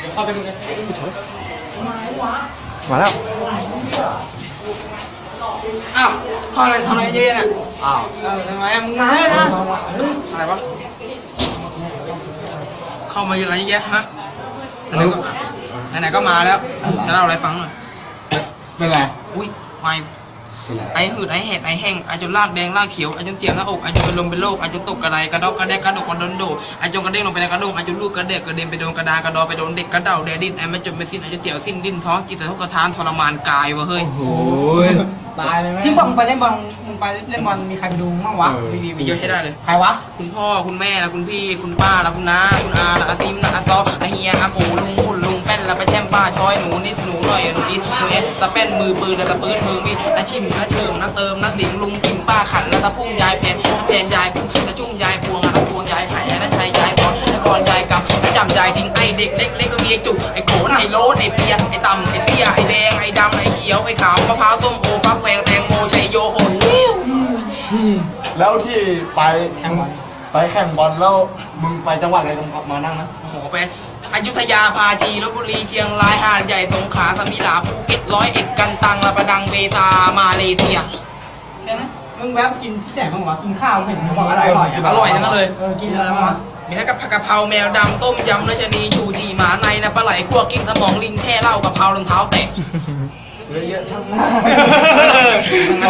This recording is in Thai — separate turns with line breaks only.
เดี๋ยวเข้าไปดูกัน
มาแล้ว
อ้าวเข้าอะไรทำอะไรเยอะน่ะ
อ้าว
ทำไมมึงมาให้นะอะไรวะเข้ามาเยอะอะไรเยอะฮะไหนก็มาแล้วจะเล่าอะไรฟังหน่อย
เป็นไร
อุ้ยไฟไอหืดไอเห็ดไอแห้งไอจนลากแดงลากเขียวไอจนเตียมหน้าอกไอจนเป็นลมเป็นโรคไอจนตกกระไดกระดอกกระแดกกระดกกระโดนโดไอจนกระเด้งลงไปในกระดงไอจนลูกกระเดกกระเด็นไปโดนกระดากระดอไปโดนเด็กกระเดาแดดิ้นไอไม่จนไม่สิ้นไอจนเตี่ยวสิ้นดิ้นท้องจิตแต่ทุกกระทานทรมานกายวะเฮ้ย
โอ้ย
ตายเลยไหมที่บอกมึงไปเล่นบอลมึงไปเล่นบอลมีใครไปดูมั้งวะ
มีเยอะให้ได้เลย
ใครวะ
คุณพ่อคุณแม่ละคุณพี่คุณป้าละคุณน้าคุณอาละอาซิมละอาซออาเฮียอาปูลุงคุณลุงแป้นละไปแช่มป้าช้อยหนูนิดหนูหน่อยหนูอินหนูเอสตะแป้นมือปืนละตะปืนมือมีอาชิมอาเฉิมนะเติมนะสิงลุงกิมป้าขันละตะพุ่งยายแผ่นยายพุ่งตะจุ้งยายพวงละพวงยายหายนะชัยยายพรละกรยายกำละจำยายทิ้งไอเด็กเล็กก็มีไอจุกไอโขนไอโรสไอเปียไอต่ำไอเตี้ยไอแดงไอดำไอเขียวไอขาวมะพร้าวต้มโอฟักแฟงแตงโมชัยโยโหด
แล้วที่ไปแข่งบอลแล้วมึงไปจังหวัดอะไรมานั่งนะ
โอ้โหไปอยุธยาพาจีลพบุรีเชียงรายหาดใหญ่สงขลาสมิลาภูเก็ต101กันตังละประดังเบตามาเลเซีย
แค่นั้นมึงแวะกินที่ไหนบ้างวะกินข้าวเห็นมึงบอกอร่อย
อร่อยทั้งนั้นเลย
กินอะไรบ้างวะ
มีทั้งผักกะเพราแมวดำต้มยำราชนีชูจีหมาในนะปลาไหลคั่วกิ้งสมองลิงแช่เหล้ากะเพรารองเท้าแตะ
เยอะๆช่างหน้า